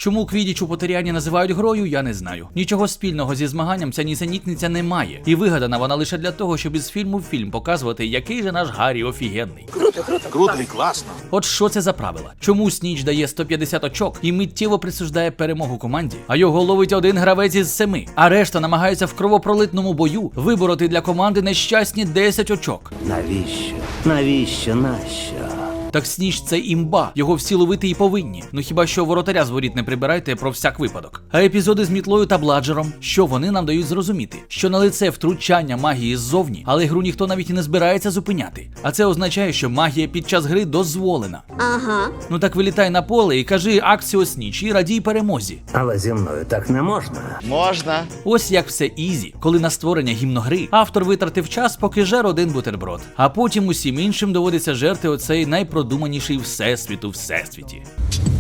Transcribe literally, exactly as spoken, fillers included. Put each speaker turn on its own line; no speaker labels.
Чому квідіч у Поттеріані називають грою, я не знаю. Нічого спільного зі змаганням ця нісенітниця не має. І вигадана вона лише для того, щоб із фільму в фільм показувати, який же наш Гаррі офігенний.
Круто, круто.
Круто і класно.
От що це за правила? Чому Сніч дає сто п'ятдесят очок і миттєво присуждає перемогу команді, а його ловить один гравець із семи, а решта намагається в кровопролитному бою вибороти для команди нещасні десять очок?
Навіщо? Навіщо? Нащо?
Так Сніч це імба, його всі ловити і повинні. Ну хіба що воротаря з воріт не прибирайте про всяк випадок. А епізоди з мітлою та бладжером, що вони нам дають зрозуміти? Що на лице втручання магії ззовні, але гру ніхто навіть і не збирається зупиняти. А це означає, що магія під час гри дозволена.
Ага.
Ну так вилітай на поле і кажи акціо Сніч і радій перемозі.
Але зі мною так не можна.
Можна.
Ось як все ізі, коли на створення гімногри автор витратив час, поки жер один бутерброд. А потім усім іншим доводиться жерти оцей найпродуманіший всесвіт у всесвіті.